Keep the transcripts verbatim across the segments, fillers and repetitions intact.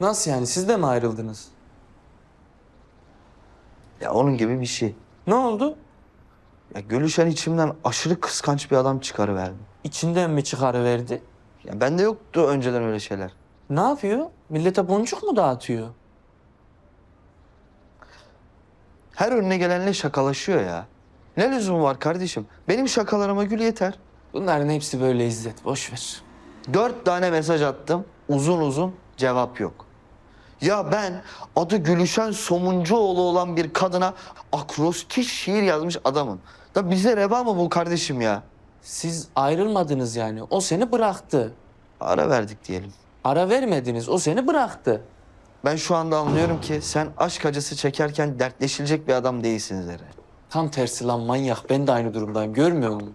Nasıl yani? Siz de mi ayrıldınız? Ya onun gibi bir şey. Ne oldu? Ya Gülüşen içimden aşırı kıskanç bir adam çıkarıverdi. İçinden mi çıkarıverdi? Ya bende yoktu önceden öyle şeyler. Ne yapıyor? Millete boncuk mu dağıtıyor? Her önüne gelenle şakalaşıyor ya. Ne lüzum var kardeşim? Benim şakalarıma gül yeter. Bunların hepsi böyle İzzet. Boş ver. Dört tane mesaj attım. Uzun uzun cevap yok. Ya ben adı Gülüşen Somuncuoğlu olan bir kadına akrostiş şiir yazmış adamım. Da bize reva mı bu kardeşim ya? Siz ayrılmadınız yani. O seni bıraktı. Ara verdik diyelim. Ara vermediniz. O seni bıraktı. Ben şu anda anlıyorum ki sen aşk acısı çekerken dertleşilecek bir adam değilsin Zerre. Tam tersi lan manyak. Ben de aynı durumdayım. Görmüyor musun?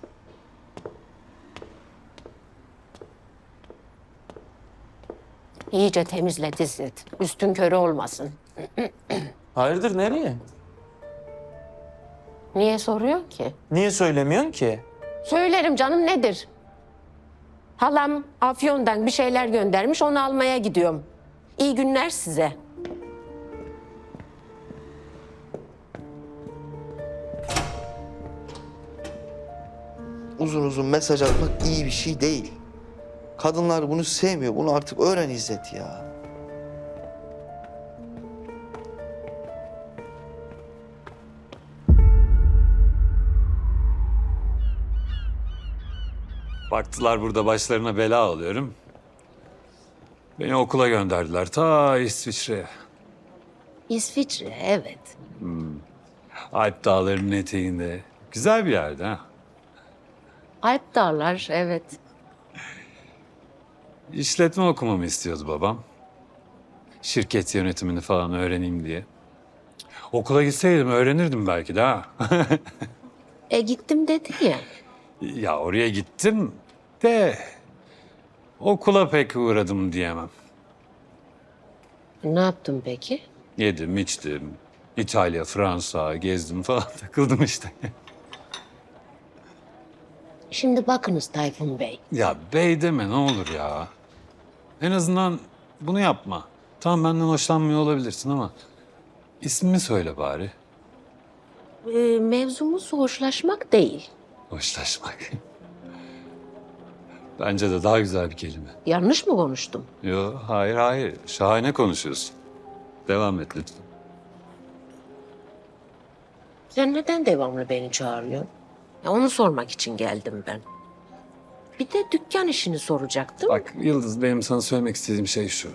İyice temizle İzzet. Üstün körü olmasın. Hayırdır nereye? Niye soruyor ki? Niye söylemiyorsun ki? Söylerim canım, nedir? Halam Afyon'dan bir şeyler göndermiş, onu almaya gidiyorum. İyi günler size. Uzun uzun mesaj atmak iyi bir şey değil. Kadınlar bunu sevmiyor. Bunu artık öğren İzzet ya. Baktılar burada başlarına bela alıyorum. Beni okula gönderdiler ta İsviçre'ye. İsviçre, evet. Alp dağlarının eteğinde. Güzel bir yerde ha. Alp Dağlar, evet. İşletme okumamı istiyordu babam. Şirket yönetimini falan öğreneyim diye. Okula gitseydim öğrenirdim belki de ha. E gittim dedi ya. Ya oraya gittim de okula pek uğradım diyemem. Ne yaptın peki? Yedim, içtim. İtalya, Fransa gezdim falan takıldım işte. Şimdi bakınız Tayfun Bey. Ya bey deme ne olur ya. En azından bunu yapma. Tamam benden hoşlanmıyor olabilirsin ama ismimi söyle bari. E, mevzumuz hoşlaşmak değil. Hoşlaşmak. Bence de daha güzel bir kelime. Yanlış mı konuştum? Yo hayır hayır. Şahane konuşuyorsun. Devam et lütfen. Sen neden devamlı beni çağırıyorsun? Ya onu sormak için geldim ben. Bir de dükkan işini soracaktım. Bak Yıldız benim sana söylemek istediğim şey şu.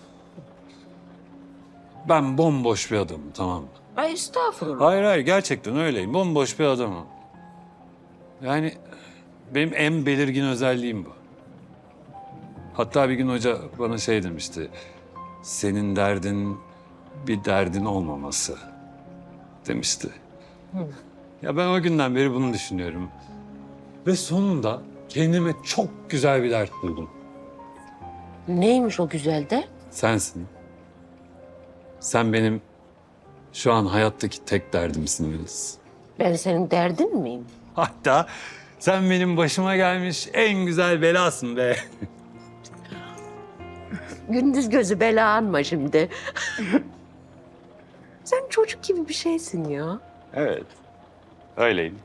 Ben bomboş bir adamım tamam mı? Ay estağfurullah. Hayır hayır gerçekten öyleyim. Bomboş bir adamım. Yani benim en belirgin özelliğim bu. Hatta bir gün hoca bana şey demişti. Senin derdin bir derdin olmaması demişti. Ya ben o günden beri bunu düşünüyorum. Ve sonunda kendime çok güzel bir dert buldum. Neymiş o güzel de? Sensin. Sen benim şu an hayattaki tek derdimsin Yıldız. Ben senin derdin miyim? Hatta sen benim başıma gelmiş en güzel belasın be. Gündüz gözü bela anma şimdi. Sen çocuk gibi bir şeysin ya. Evet. Öyleyim.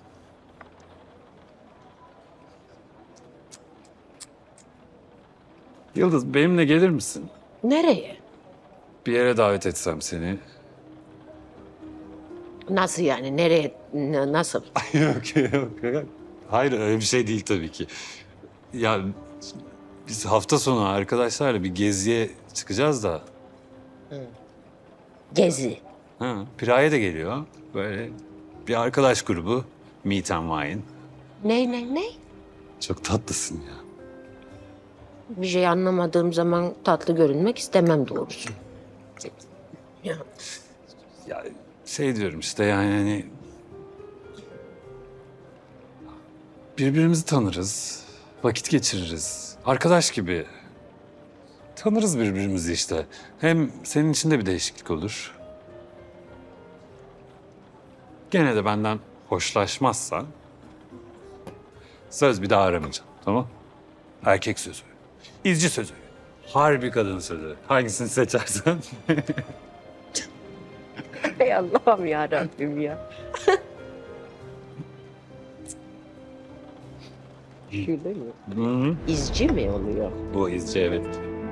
Yıldız benimle gelir misin? Nereye? Bir yere davet etsem seni. Nasıl yani? Nereye? N- nasıl? yok, yok yok. Hayır öyle bir şey değil tabii ki. Ya biz hafta sonu arkadaşlarla bir geziye çıkacağız da. Gezi. Ha, Piraye de geliyor. Böyle bir arkadaş grubu. Meet and Wine. Ne ne ne? Çok tatlısın ya. Bir şey anlamadığım zaman tatlı görünmek istemem doğrusu. Ya. Ya şey diyorum işte yani hani... Birbirimizi tanırız. Vakit geçiririz. Arkadaş gibi. Tanırız birbirimizi işte. Hem senin için de bir değişiklik olur. Gene de benden hoşlaşmazsan... Söz bir daha aramayacağım, tamam? Erkek sözü. İzci sözü. Harbi kadın sözü. Hangisini seçersen. Ey Allah'ım ya Rabbim ya. Şöyle mi? Hı-hı. İzci mi oluyor? Bu izci evet.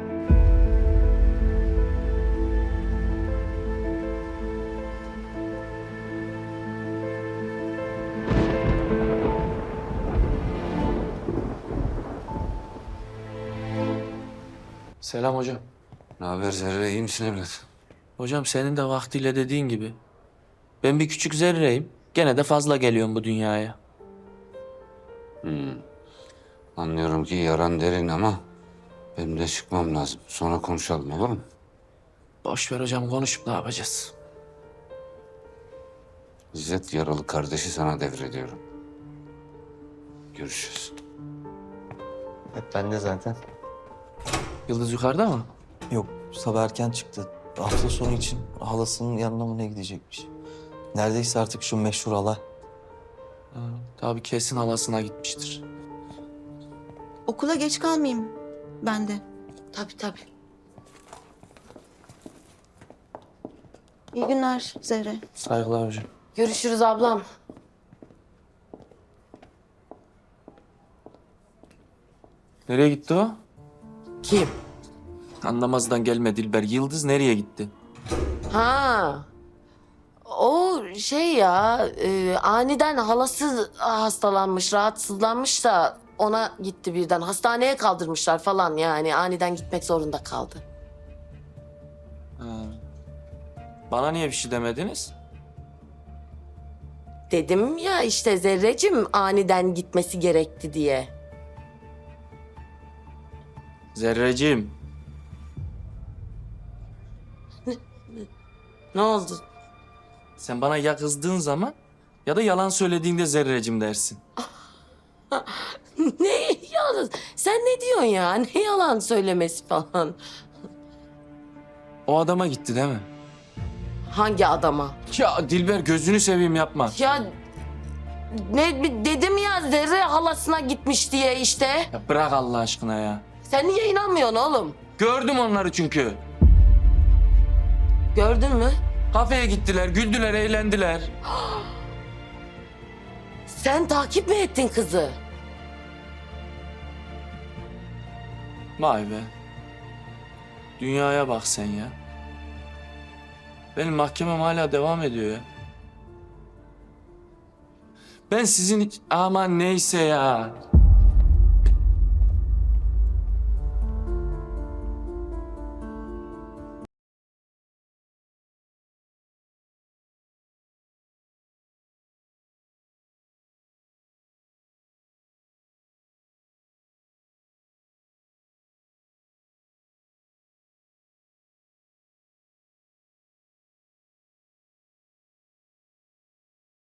Selam hocam. Ne haber Zerre, iyi misin evlat? Hocam senin de vaktiyle dediğin gibi. Ben bir küçük zerreyim. Gene de fazla geliyorum bu dünyaya. Anlıyorum ki yaran derin ama benim de çıkmam lazım. Sonra konuşalım, olur mu? Boş ver hocam, konuşup ne yapacağız? İzzet yaralı kardeşi sana devrediyorum. Görüşürüz. Hep bende zaten. Yıldız yukarıda mı? Yok, sabah erken çıktı. Hafta sonu için halasının yanına mı ne gidecekmiş? Neredeyse artık şu meşhur hala. Ha, tabii kesin halasına gitmiştir. Okula geç kalmayayım ben de. Tabii tabii. İyi günler Zehre. Saygılar hocam. Görüşürüz ablam. Nereye gitti o? Kim? Anlamazdan gelme Dilber. Yıldız nereye gitti? Ha. O şey ya, e, aniden halası hastalanmış, rahatsızlanmış da ona gitti birden. Hastaneye kaldırmışlar falan yani. Aniden gitmek zorunda kaldı. Ha. Bana niye bir şey demediniz? Dedim ya işte Zerrecim aniden gitmesi gerekti diye. Zerreciğim. Ne oldu? Sen bana ya kızdığın zaman ya da yalan söylediğinde zerrecim dersin. Ne yalan? Sen ne diyorsun ya? Ne yalan söylemesi falan? O adama gitti değil mi? Hangi adama? Ya Dilber gözünü seveyim yapma. Ya ne dedim ya Zerre halasına gitmiş diye işte. Ya bırak Allah aşkına ya. Sen niye inanmıyorsun oğlum? Gördüm onları çünkü. Gördün mü? Kafeye gittiler, güldüler, eğlendiler. Sen takip mi ettin kızı? Vay be. Dünyaya bak sen ya. Benim mahkemem hala devam ediyor ya. Ben sizin hiç... Aman neyse ya.